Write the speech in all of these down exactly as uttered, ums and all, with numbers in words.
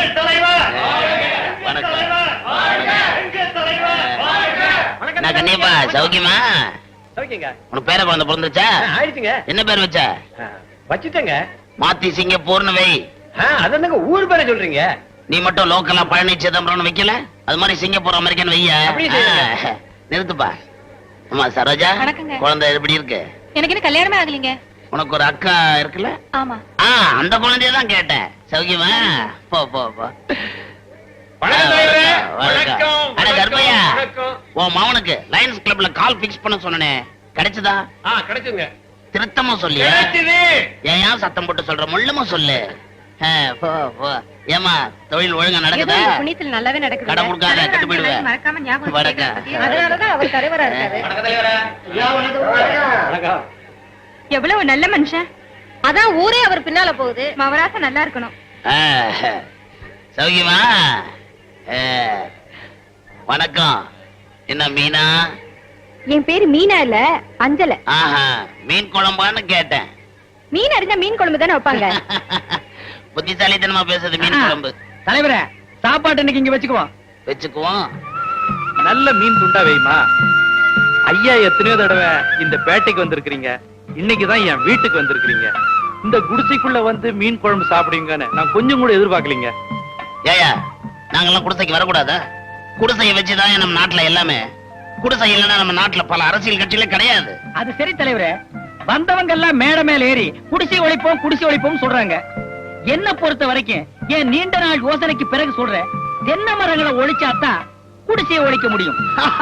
கண்டிப்பா சௌக்கியமா? உனக்கு பேர குழந்தை பிறந்துச்சா? என்ன பேர் வச்ச? வச்சுட்டேங்க. மாத்தி சிங்கப்பூர்னு வை. அதான் ஊர் பேரை சொல்றீங்க. நீ மட்டும் லோக்கலா பழனி சிதம்பரம் வைக்கல, அது மாதிரி சிங்கப்பூர் அமெரிக்கன் வையா. நிறுத்துப்பா. ஆமா சரோஜா, குழந்தை எப்படி இருக்கு? எனக்கு என்ன கல்யாணமே ஆகலீங்க. உனக்கு ஒரு அக்கா இருக்குல்ல? ஆமா. ஆ அந்த குழந்தையதான் கேட்டேன். சௌக்கியமா? போ போ போ. கர்ப்பையா, உன் மவனுக்கு லயன்ஸ் கிளப்ல கால் பிக்ஸ் பண்ண சொன்னனே, கிடைச்சதா? கிடைச்சுங்க. திருத்தமா சொல்லியா? ஏன் சத்தம் போட்டு சொல்ற? முள்ளமா சொல்லு. ஏமா தொழில் ஒழுங்கா நடக்குதா? புண்ணியத்துல நல்லாவே நடக்குது. கடை கொடுக்காத, கெட்டு போயிடுவேன். மறக்காம ஞாபகம் வச்சுக்க. அதனாலதான் அவர் தலைவரா இருக்காரு. எவ்வளவு நல்ல மனுஷன். அதான் ஊரே அவர் பின்னால போகுது. மவராச நல்லா இருக்கணும். சௌக்கியமா? வணக்கம். என்ன மீனா? என் பேரு மீனா இல்ல, அஞ்சல. ஆஹா, மீன் குழம்பான்னு கேட்டேன். மீன் அறிஞ்சா மீன் குழம்பு தானே வைப்பாங்க. புத்திசாலித்தனமா பேசுறது மீன் குழம்பு. தலைவரே, சாப்பாடு இன்னைக்கு இங்க வச்சுக்குவோம். வச்சுக்குவோம். நல்ல மீன் துண்டா வைமா. ஐயா எத்தனையோ தடவை இந்த பேட்டைக்கு வந்திருக்கீங்க, இன்னைக்குதான் என் வீட்டுக்கு வந்திருக்கீங்க. இந்த குடிசைக்குள்ள வந்து மீன் குழம்பு சாப்பிடுவீங்கன்னு நான் கொஞ்சம் கூட எதிர்பார்க்கலீங்க. ஏயா, நாங்கெல்லாம் குடிசைக்கு வரக்கூடாதா? குடிசையை வச்சுதான் நம்ம நாட்டுல எல்லாமே. குடிசை இல்லைன்னா நம்ம நாட்டுல பல அரசியல் கட்சியில கிடையாது. அது சரி தலைவரே, வந்தவங்க எல்லாம் மேட மேல ஏறி குடிசை ஒழிப்போம் குடிசை ஒழிப்போம் சொல்றாங்க. என்ன பொறுத்த வரைக்கும் என் நீண்ட நாள் யோசனைக்கு பிறகு சொல்றேன், தென்னை மரங்களை ஒழிச்சாத்தான் குடிசையை ஒழிக்க முடியும்.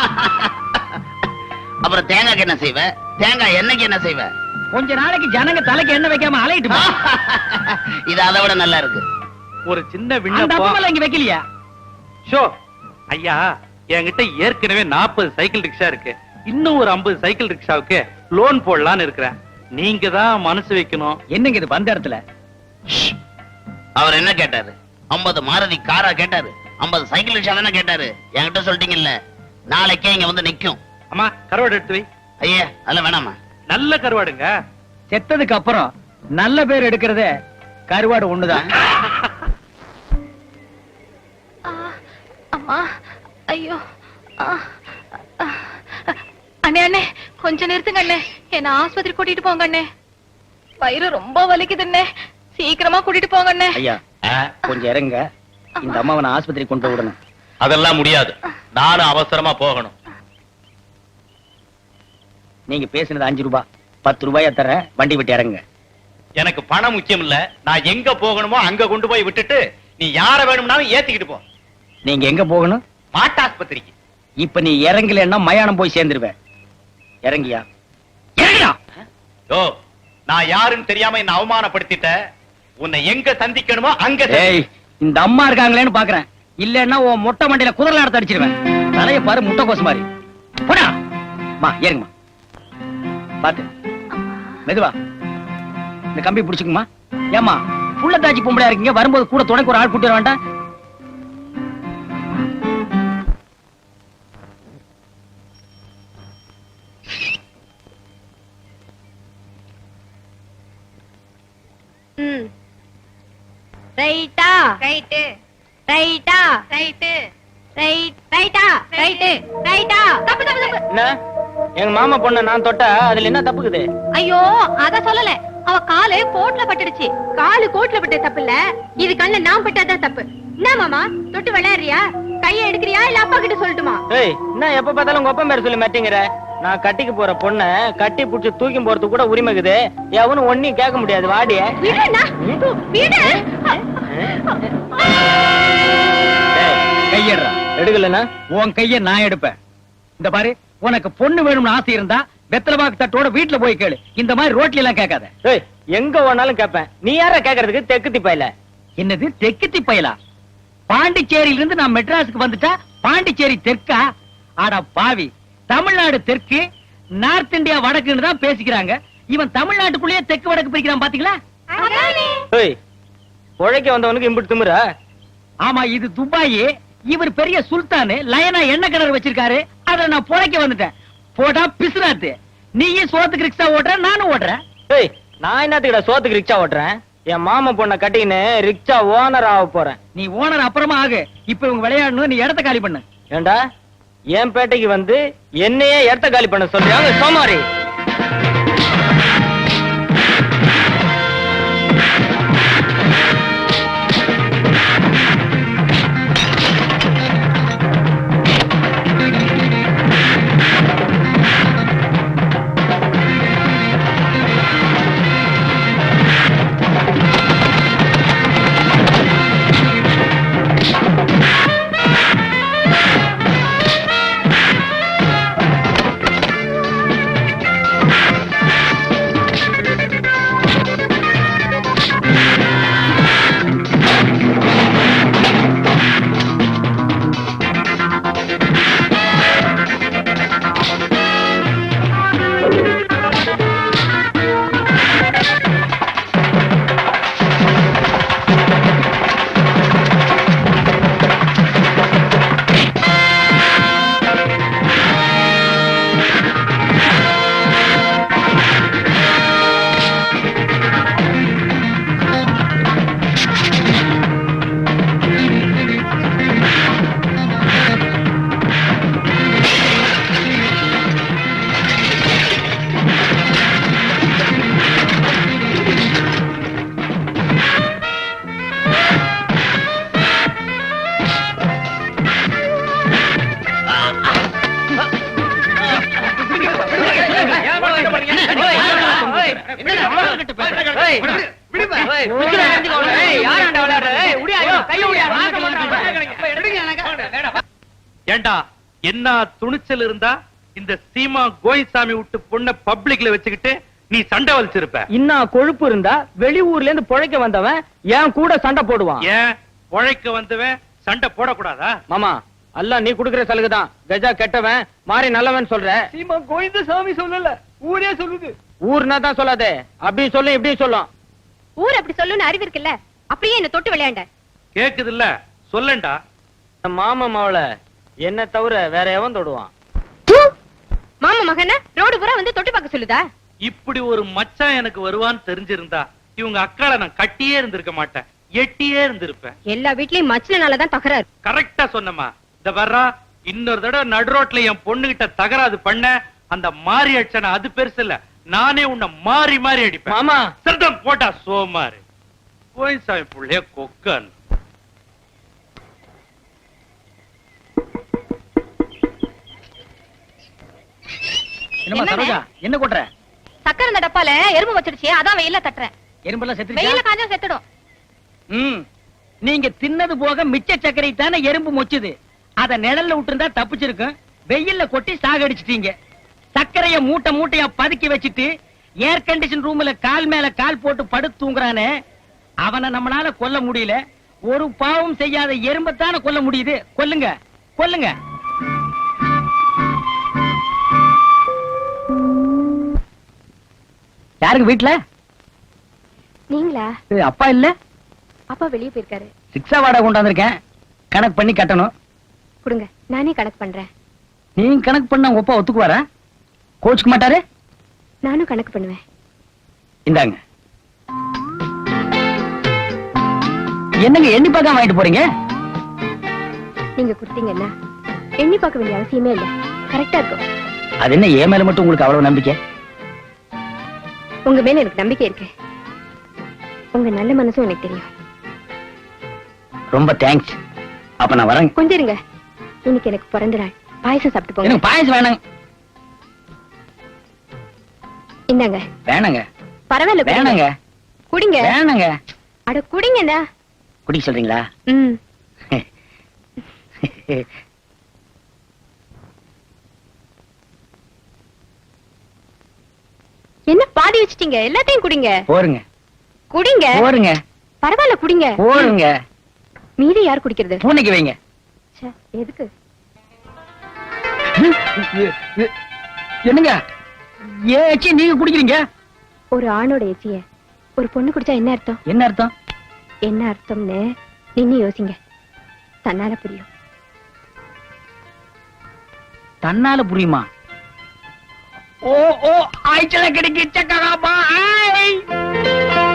அப்புறம் தேங்காய்க்கு என்ன செய்வ? தேங்காய் எண்ணெய்க்கு என்ன செய்வ? கொஞ்ச நாளைக்கு ஜனங்க தலைக்கு எண்ணெய் வைக்காம அலையிட்டு. இது அதை விட நல்லா இருக்கு. ஒரு சின்ன விண்ணப்பம் இங்க வைக்கலையா? ஷோ ஐயா, என்கிட்ட ஏற்கனவே நாற்பது சைக்கிள் ரிக்ஷா இருக்கு. இன்னும் ஒரு ஐம்பது சைக்கிள் ரிக்ஷாவுக்கு லோன் போடலான்னு இருக்கிறேன். நீங்க தான் மனசு வைக்கணும். என்னங்க இது வந்த இடத்துல? அவர் என்ன கேட்டாரு? ஐம்பது மாருதி காரா கேட்டாரு? ஐம்பது சைக்கிள் ரிக்ஷா தானே கேட்டாரு? என்கிட்ட சொல்லிட்டீங்கல்ல, நாளைக்கே இங்க வந்து நிக்கும். அம்மா கருவாடு எடுத்து வை. ஐயா அதெல்லாம் வேணாமா? நல்ல கருவாடுங்க. செத்ததுக்கு அப்புறம் நல்ல பேர் எடுக்கிறதே கருவாடு ஒண்ணுதான். அம்மா, ஐயோ. அண்ணே அண்ணே, கொஞ்ச நேரத்துக்கு அண்ணே என்ன ஆஸ்பத்திரி கூட்டிட்டு போங்க அண்ணே. வயிறு ரொம்ப வலிக்குது அண்ணே, சீக்கிரமா கூட்டிட்டு போங்க அண்ணே. ஐயா கொஞ்சம் இறங்க, இந்த அம்மாவை நான் ஆஸ்பத்திரி கொண்டு போய் விடணும். அதெல்லாம் முடியாது, நானும் அவசரமா போகணும். நீங்க பேசினது அஞ்சு ரூபாய், பத்து ரூபாயா தரேன், வண்டி விட்டு இறங்க. எனக்கு பணம் முக்கியம் இல்ல, நான் எங்க போகணுமோ அங்க கொண்டு போய் விட்டுட்டு நீ யார வேணும்னாலும் ஏத்திக்கிட்டு போ. நீங்க எங்க போகணும்? மாட்டாஸ்பத்திரிக்கு. இப்ப நீ இறங்கலன்னா மயானம் போய் சேர்ந்துருவேன். இறங்கியா? இறங்கியா? ஓ, நான் யாருன்னு தெரியாம என்ன அவமானப்படுத்திட்ட. உன்னை எங்க சந்திக்கணுமோ அங்க. ஏய், இந்த அம்மா இருக்காங்களேன்னு பாக்குறேன். இல்லன்னா உன் மொட்டை மண்டையில குதிரை எடுத்து அடிச்சிருவேன். தலைய பாரு முட்டை கோசு மாதிரி. போடா மா, ஏறுங்கம்மா. பாத்து மெதுவா இந்த கம்பி பிடிச்சுக்குமா. ஏமா புள்ள தாச்சி பொம்பளையா இருக்கீங்க, வரும்போது கூட துணைக்கு ஒரு ஆள் கூட்டிட வேண்டாம்? ரைட்டா ரைட்டு ரைட்டா ரைட்டு ரைட் ரைட்டா ரைட்டு ரைட்டா. தப்பு தப்பு தப்பு. என்ன எங்க மாமா பொண்ண நான் தொட்டா அதுல என்ன தப்புக்குது? ஐயோ அத சொல்லல, அவ காலு கோட்ல பட்டுடுச்சு. காலு கோட்ல பட்ட தப்பு இல்ல, இது கண்ணுல நான் பட்டாதான் தப்பு. என்ன மாமா தொட்டு விளையாடுறியா? கைய எடுக்கிறியா இல்ல அப்பா கிட்ட சொல்லட்டுமா? ஏய், என்ன எப்ப பார்த்தாலும் உங்க அப்பா பேர் சொல்லி மாட்டேங்கிற? நான் கட்டிக்கு போற பொண்ண கட்டி புடிச்சு தூக்கி போறதுக்கு கூட உரிமைக்குது. எவனும் ஒன்னையும் கேட்க முடியாது. வாடிய கையடுறா. எடுக்கலன்னா உன் கைய நான் எடுப்பேன். இந்த பாரு, உனக்கு பொண்ணு வேணும்னு ஆசை இருந்தா வெத்தலபாக்கு தட்டோட வீட்டுல போய் கேளு. இந்த மாதிரி ரோட்ல எல்லாம் கேட்காத. எங்க வேணாலும் கேட்பேன். நீ யார கேக்குறதுக்கு? தெக்கு திப்பையில. என்னது தெக்கு திப்பையிலா? பாண்டிச்சேரியில இருந்து நான் மெட்ராஸுக்கு வந்துட்டா பாண்டிச்சேரி தெற்கா? ஆடா பாவி, தமிழ்நாடு தெற்கு, நார்த் இந்தியா வடக்குன்னு தான் பேசிக்கிறாங்க. இவன் தமிழ்நாட்டுக்குள்ளேயே தெற்கு வடக்கு பிரிக்கிறான் பாத்தீங்களா? உழைக்க வந்தவனுக்கு இம்புட்டு திமிரா? ஆமா, இது துபாய். இவர் பெரிய சுல்தானு, லயனா எண்ணெய் கிணறு வச்சிருக்காரு. அத நான் புழைக்க வந்துட்டேன். போட்டா பிசுனாத்து. நீயும் சோத்துக்கு ரிக்ஷா ஓட்டுற, நானும் ஓட்டுறேன். நான் என்னத்துக்கிட்ட சோத்துக்கு ரிக்ஷா ஓட்டுறேன்? என் மாமா பொண்ண கட்டின்னு ரிக்ஷா ஓனர் ஆக போறேன். நீ ஓனர் அப்புறமா ஆகு. இப்ப இவங்க விளையாடணும், நீ இடத்த காலி பண்ணு. ஏண்டா என் பேட்டைக்கு வந்து என்னையே இடத்த காலி பண்ண சொல்றாங்க சோமாரி. ஏண்டா என்ன துணிச்சல் இருந்தா இந்த சீமா கோயிசாமி விட்டு பொண்ண பப்ளிக்ல வச்சுக்கிட்டு நீ சண்டை வலிச்சிருப்ப. இன்னும் கொழுப்பு இருந்தா வெளியூர்ல இருந்து பொழைக்க வந்தவன் ஏன் கூட சண்டை போடுவான். ஏன் பொழைக்க வந்தவன் சண்டை போடக்கூடாதா? மாமா அல்ல நீ குடுக்கிற சலுகைதான். கஜா கெட்டவன் மாறி நல்லவன் சொல்ற. சீமா கோவிந்த சாமி சொல்லல, ஊரே சொல்லுது. ஊர்னா தான் சொல்லாதே, அப்படி சொல்லு இப்படி சொல்லும். ஊர் அப்படி சொல்லுன்னு அறிவு இருக்குல்ல, அப்படியே என்ன தொட்டு விளையாண்ட. கேக்குது இல்ல, சொல்லண்டா. மாமா மாவள என்ன தவிர வேற எவன் தொடுவான்? மாமா மகன ரோடு பூரா வந்து தொட்டு பார்க்க சொல்லுதா? இப்படி ஒரு மச்சான் எனக்கு வருவான்னு தெரிஞ்சிருந்தா இவங்க அக்கால நான் கட்டியே இருந்திருக்க மாட்டேன், எட்டியே இருந்திருப்பேன். எல்லா வீட்லயும் மச்சனாலதான் தகராறு. கரெக்டா சொன்னமா. இந்த வர்றா இன்னொரு தடவை நடு ரோட்ல என் பொண்ணுகிட்ட தகராது பண்ண அந்த மாறி அடிச்சன அது பெருசு இல்ல, நானே உன்னை மாறி மாறி அடிப்பேன். மாமா சத்தம் போட்டா சோமாரு கோயிசாமி புள்ளைய கொக்கன். என்னமா சரோஜா என்ன கொட்ற? சக்கரை இந்த டப்பால எறும்பு வச்சிருச்சு, அதான் வெயில தட்டுறேன். எறும்பெல்லாம் செத்துருச்சா? வெயில காஞ்சா செத்துடும். ம் நீங்க தின்னது போக மிச்ச சக்கரை தானே எறும்பு மொச்சுது. அத நிழல்ல விட்டுருந்தா தப்பிச்சிருக்கும். வெயில்ல கொட்டி சாகடிச்சிட்டீங்க. சக்கரைய மூட்டை மூட்டையா பதுக்கி வச்சிட்டு ஏர் கண்டிஷன் ரூம்ல கால் மேல கால் போட்டு படுத்து தூங்குறானே, அவனை நம்மளால கொல்ல முடியல. ஒரு பாவம் செய்யாத எறும்பத்தான கொல்ல முடியுது. கொல்லுங்க கொல்லுங்க. யாருக்கு வீட்டுல? நீங்களா? அப்பா இல்ல, அப்பா வெளியே போயிருக்காரு. சிக்ஸா வாடகை கொண்டாந்துருக்கேன், கணக்கு பண்ணி கட்டணும். கொடுங்க, நானே கணக்கு பண்றேன். நீங்க கணக்கு பண்ண உங்க அப்பா ஒத்துக்குவாரா? கோச்சுக்க மாட்டாரு? நானும் கணக்கு பண்ணுவேன். இந்தாங்க. என்னங்க எண்ணி பார்க்காம வாங்கிட்டு போறீங்க? நீங்க கொடுத்தீங்கன்னா எண்ணி பார்க்க வேண்டிய அவசியமே இல்ல, கரெக்டா இருக்கும். அது என்ன ஏன் மேல மட்டும் உங்களுக்கு அவ்வளவு நம்பிக்கை? உங்க மேல எனக்கு நம்பிக்கை இருக்கு. உங்க நல்ல மனசும் எனக்கு தெரியும். ரொம்ப தேங்க்ஸ். அப்ப நான் வரேன். கொஞ்சம் இருங்க, இன்னைக்கு எனக்கு பிறந்த நாள். பாயசம் சாப்பிட்டு போங்க. எனக்கு பாயசம் வேணாங்க. இந்தாங்க. வேணாங்க. பரவாயில்ல, வேணாங்க. குடிங்க. வேணாங்க. அட குடிங்கண்ணா. குடிக்க சொல்றீங்களா? ம். என்ன பாதி வச்சிட்டீங்க? எல்லாத்தையும் குடிங்க. போருங்க குடிங்க. போருங்க. பரவாயில்ல குடிங்க. போருங்க. மீதி யார் குடிக்கிறது? பூனைக்கு வைங்க. ச்சே, எதுக்கு? என்னங்க ஏச்சி நீங்க குடிக்கிறீங்க? ஒரு ஆணோட எச்சிய ஒரு பொண்ணு குடிச்சா என்ன அர்த்தம்? என்ன அர்த்தம்? என்ன அர்த்தம்னு நின்னு யோசிங்க, தன்னால புரியும். தன்னால புரியுமா? ஓ ஓ ஆய்ச்சல கிடைக்கு சக்கராபா.